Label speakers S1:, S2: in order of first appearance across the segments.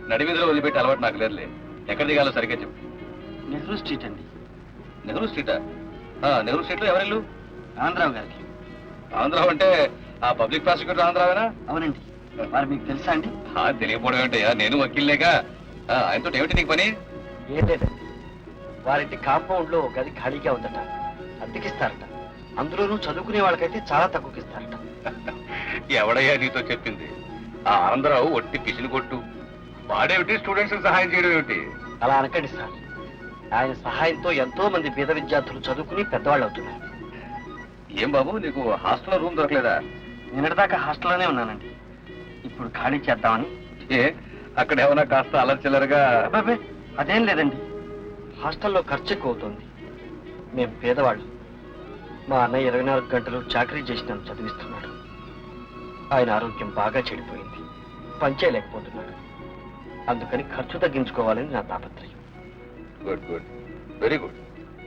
S1: నడివీధిలో వదిలిపెట్టి అలవాటు నాకు లేదులే. ఎక్కడ దిగాలో సరిగ్గా చెప్పు.
S2: నెహ్రూ స్ట్రీట్ అండి.
S1: నెహ్రూ స్ట్రీటా? నెహ్రూ స్ట్రీట్లో ఎవరిల్లు?
S2: ఆంధ్రావు గారికి.
S1: ఆంధ్రావు అంటే ఆ పబ్లిక్ ప్రాసిక్యూటర్ ఆంధ్రావేనా?
S2: అవునండి. వారు మీకు తెలుసా అండి?
S1: తెలియకపోవడం ఏంటయ్యా, నేను వకీల్లేగా. ఆయనతో ఏమిటి నీకు పని?
S2: ఏం లేదండి, వారింటి కాంపౌండ్ లో ఒక గది ఖాళీగా ఉందట, అద్దెకిస్తారట. అందులోనూ చదువుకునే వాళ్ళకైతే చాలా తక్కువకి ఇస్తారట.
S1: ఎవడయ్యా నీతో చెప్పింది? ఆ ఆంధ్రావు ఒట్టి పిసిని కొట్టు. వాడేమిటి స్టూడెంట్స్ సహాయం చేయడం ఏమిటి?
S2: అలా అనకండి సార్. ఆయన సహాయంతో ఎంతో మంది పేద విద్యార్థులు చదువుకుని పెద్దవాళ్ళు అవుతున్నారు.
S1: ఏం బాబు, నీకు హాస్టల్లో రూమ్ దొరకలేదా?
S2: నిన్నటిదాకా హాస్టల్లోనే ఉన్నానండి. ఇప్పుడు ఖాళీ చేద్దామని.
S1: అక్కడ ఏమన్నా కాస్త అలర్చిల్లరుగా?
S2: అబ్బాబే, అదేం లేదండి. హాస్టల్లో ఖర్చు ఎక్కువ అవుతుంది. మేం పేదవాళ్ళు. మా అన్నయ్య 24 గంటలు చాకరీ చేసి నన్ను చదివిస్తున్నాడు. ఆయన ఆరోగ్యం బాగా చెడిపోయింది, పనిచేయలేకపోతున్నాడు. అందుకని ఖర్చు తగ్గించుకోవాలని నా తాపత్రయం.
S1: Good good, very good.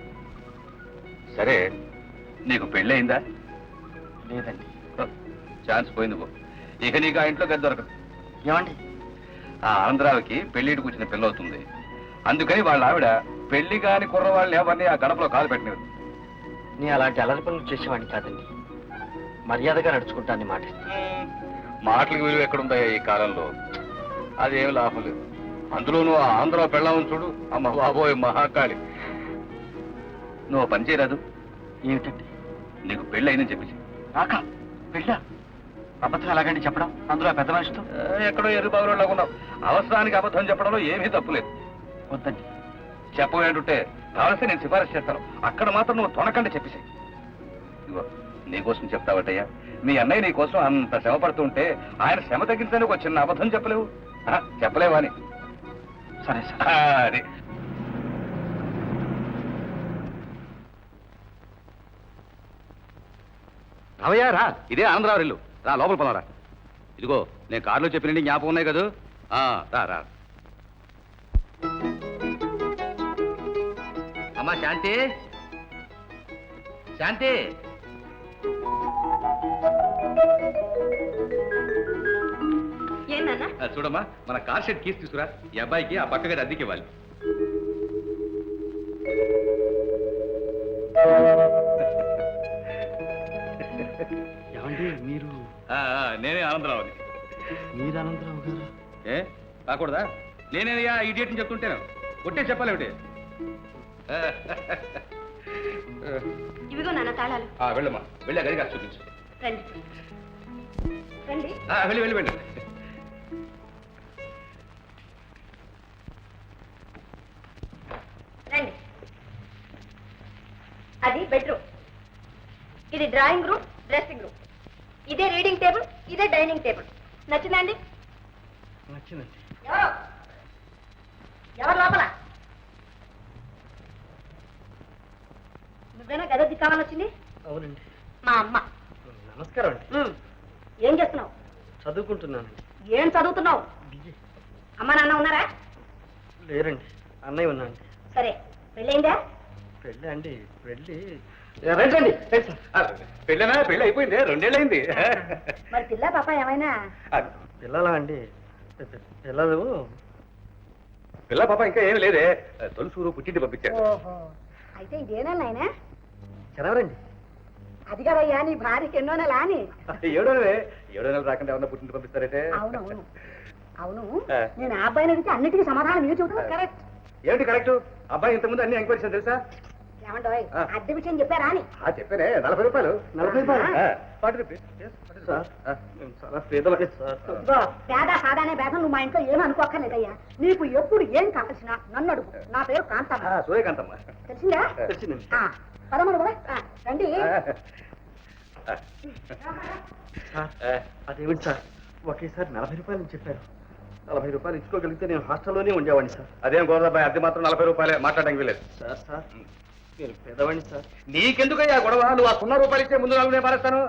S1: సరే, నీకు పెళ్ళయిందా?
S2: లేదండి.
S1: ఛాన్స్ పోయింది పో. ఇక నీకు ఆ ఇంట్లో గది దొరకదు.
S2: ఏమండి?
S1: ఆ ఆంధ్రావికి పెళ్లిటికి వచ్చిన పిల్లవుతుంది. అందుకని వాళ్ళ ఆవిడ పెళ్లి కాని కుర్రవాళ్ళని ఎవరిని ఆ గడపలో కాలు పెట్టినది.
S2: నేను అలాంటి అలరి పనులు చేసేవాడిని కాదండి. మర్యాదగా నడుచుకుంటానని మాటిస్తాను.
S1: మాటలకు విలువ ఎక్కడుందా ఈ కాలంలో? అదేమి లాభం లేదు. అందులోనూ ఆ ఆంధ్ర పెళ్ళామని చూడు, అమ్మ బాబోయ్ మహాకాళి. నువ్వు పని చేయరాదు?
S2: ఏమిటండి?
S1: నీకు పెళ్ళి అయిందని చెప్పేసి.
S2: నాకా పెళ్ళా? అబద్ధం ఎలాగండి చెప్పడం, అందులో పెద్ద మనిషితో?
S1: ఎక్కడో ఎరుబాబులో లాగున్నావు. అవసరానికి అబద్ధం చెప్పడంలో ఏమీ తప్పులేదు.
S2: వద్దండి.
S1: చెప్పబోయేంటుంటే కావలిస్తే నేను సిఫారసు చేస్తాను. అక్కడ మాత్రం నువ్వు తొనకంటే చెప్పేసి. ఇదిగో నీకోసం చెప్తావటయ్యా. మీ అన్నయ్య నీ కోసం అంత శ్రమ పడుతుంటే ఆయన శ్రమ తగ్గించడానికి ఒక చిన్న అబద్ధం చెప్పలేవు? చెప్పలేవా అని.
S2: సరే సార్.
S1: అది రావయ్యా, రా. ఇదే ఆనందరావు ఇల్లు. రా, లోపల పోనరా. ఇదిగో నేను కారులో చెప్పినండి జ్ఞాపకం ఉన్నాయి కదా. రా రా. అమ్మా శాంతి, శాంతి. చూడమ్మా, మన కార్ షెడ్ కీస్ తీసుకురా. ఈ అబ్బాయికి ఆ పక్క గది అద్దెకి ఇవ్వాలి.
S2: ఏమండి మీరు?
S1: నేనే ఆనందరావుని.
S2: మీరు ఆనందరావు గారు?
S1: కాకూడదా? నేనేనయ్యా ఇడియట్ అని చెప్తుంటాను. కొట్టే చెప్పాలి ఒకటి.
S3: ఇవిగో నాన్న తాళాలు.
S1: వెళ్ళమ్మా, వెళ్ళా గది కాదు చూపించు.
S3: రండి రండి.
S1: వెళ్ళి వెళ్ళి వెళ్ళి.
S3: రండి. అది బెడ్రూమ్, ఇది డ్రాయింగ్ రూమ్, డ్రెస్సింగ్ రూమ్. ఇదే రీడింగ్ టేబుల్, ఇదే డైనింగ్ టేబుల్. నచ్చిందండి?
S2: నచ్చిందండి.
S3: ఎవరు లోపల? నువ్వేనా గదొద్ది కావాలొచ్చింది?
S2: అవునండి.
S3: మా అమ్మ.
S2: నమస్కారం అండి.
S3: ఏం చేస్తున్నావు?
S2: చదువుకుంటున్నానండి.
S3: ఏం చదువుతున్నావు? అమ్మ నాన్న ఉన్నారా?
S2: లేరండి, అన్నయ్య ఉన్నాండి.
S3: సరే, పెళ్ళైందా?
S2: పెళ్ళి అండి? పెళ్ళి
S1: రండి. పెళ్ళనా? పెళ్ళి అయిపోయింది, 2 ఏళ్ళు అయింది.
S3: మరి పిల్ల పాప ఏమైనా?
S2: పిల్లలా అండి? పిల్లలు
S1: పిల్ల పాప ఇంకా ఏమి లేదే. తొలుసూరు పుట్టింటి పంపించారు.
S3: ఓహో, అయితే ఇదేనా నాయనా?
S2: చదవరండి.
S3: అది కదయ్యా నీ భార్యకి ఎన్నో నెల అని.
S1: 7 నెలలు రాకుండా ఏమన్నా పుట్టింటి పంపిస్తారంటే?
S3: అవునవును అవును. నేను ఆ అబ్బాయిని అడిగితే అన్నిటికీ సమాధానం మీరు చెబుతున్నారు. కరెక్ట్.
S1: ఏమిటి కరెక్ట్? అబ్బాయి ఇంతకుముందు అన్ని ఎంక్వైరీస్ తెలుసా?
S3: ఏమంటావు? అద్దె విషయం చెప్పారా అని?
S1: చెప్పానే. 40 రూపాయలు.
S2: 40 రూపాయలు?
S1: 40 రూపీస్.
S2: చాలా పేదవాడి సార్.
S3: పేద సాదానే భేదం నువ్వు మా ఇంట్లో ఏమీ అనుకోక్కర్లేదయ్యా. నీకు ఎప్పుడు ఏం కావాల్సిన నన్ను అడుగు. నా పేరు కాంతమ్మ.
S1: సూర్యకాంతమ్మ.
S3: తెలిసిందా?
S2: తెలిసిందండి.
S3: పదమూడు కూడా రండి.
S2: అదేమిటి సార్, ఒకేసారి 40 రూపాయలు చెప్పారు. 40 రూపాయలు ఇచ్చుకోగలిగితే నేను హాస్టల్లోనే ఉండేవాడిని సార్.
S1: అదేం గోదాబాయ్, అద్దె మాత్రం 40 రూపాయలే. మాట్లాడడానికి వీలేదు.
S2: సార్ నేను పేదవాడిని సార్.
S1: నీకెందుకయ్యా గొడవ? నువ్వు ఆ 0 రూపాయలు ఇచ్చే ముందు 4 నేను పారేస్తాను.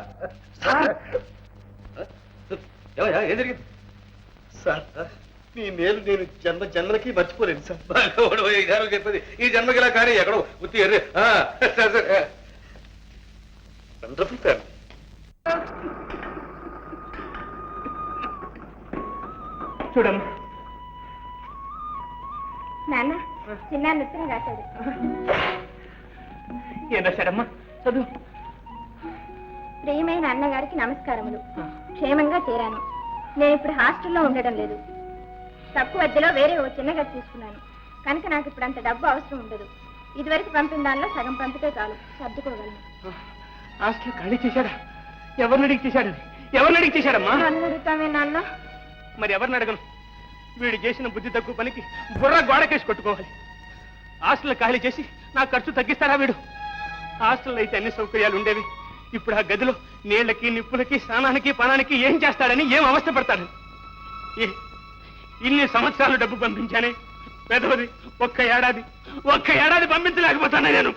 S1: ఏం జరిగింది
S2: సార్? మీ మేలు నేను జన్మలకి మర్చిపోలేను సార్.
S1: చెప్పేది ఈ జన్మకి ఇలా కానీ ఎక్కడో ఉత్తి ఎర్రి.
S2: Wonderful sir. చూడమ్మా,
S3: నాన్న చిన్న నృత్యం రాశాడు.
S4: ఏం రాశాడమ్మా? చదువు.
S3: ప్రియమైన అన్నగారికి నమస్కారములు. క్షేమంగా చేరాను. నేను ఇప్పుడు హాస్టల్లో ఉండడం లేదు. తక్కువ అద్దెలో వేరే ఓ చిన్న గది తీసుకున్నాను కనుక నాకు ఇప్పుడు అంత డబ్బు అవసరం ఉండదు. ఇదివరకు పంపిన దానిలో సగం పంపితే చాలు, సర్దుకోగలను.
S4: హాస్టల్ ఖాళీ చేశాడా? ఎవరిని అడిగి చేశాడని? ఎవరిని అడిగి చేశాడమ్మా?
S3: నన్ను అడుగుతామే నాన్న.
S4: మరి ఎవరిని అడగను? వీడు చేసిన బుద్ధి తక్కువ పనికి బుర్ర గోడకేసి కొట్టుకోవాలి. హాస్టల్ ఖాళీ చేసి నా ఖర్చు తగ్గిస్తాడా వీడు? హాస్టల్లో అయితే అన్ని సౌకర్యాలు ఉండేవి. ఇప్పుడు ఆ గదిలో నీళ్లకి నిప్పులకి స్నానానికి పనానికి ఏం చేస్తాడని, ఏం అవస్థ పడతాడని. ఇన్ని సంవత్సరాలు డబ్బు పంపించానే, పెదవది ఒక్క ఏడాది పంపించలేకపోతాను నేను.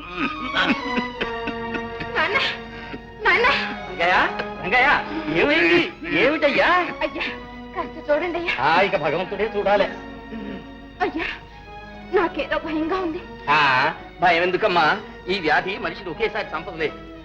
S3: నాన్న నాన్న.
S2: రంగయ్య, ఏమైంది? ఏమిటయ్యా?
S3: అయ్యా కాస్త చూడండి అయ్యా.
S2: ఇక భగవంతుడే చూడాలి.
S3: అయ్యా నాకేదో భయంగా ఉంది.
S2: భయం ఎందుకమ్మా? ఈ వ్యాధి మనిషిని ఒకేసారి చంపదులే.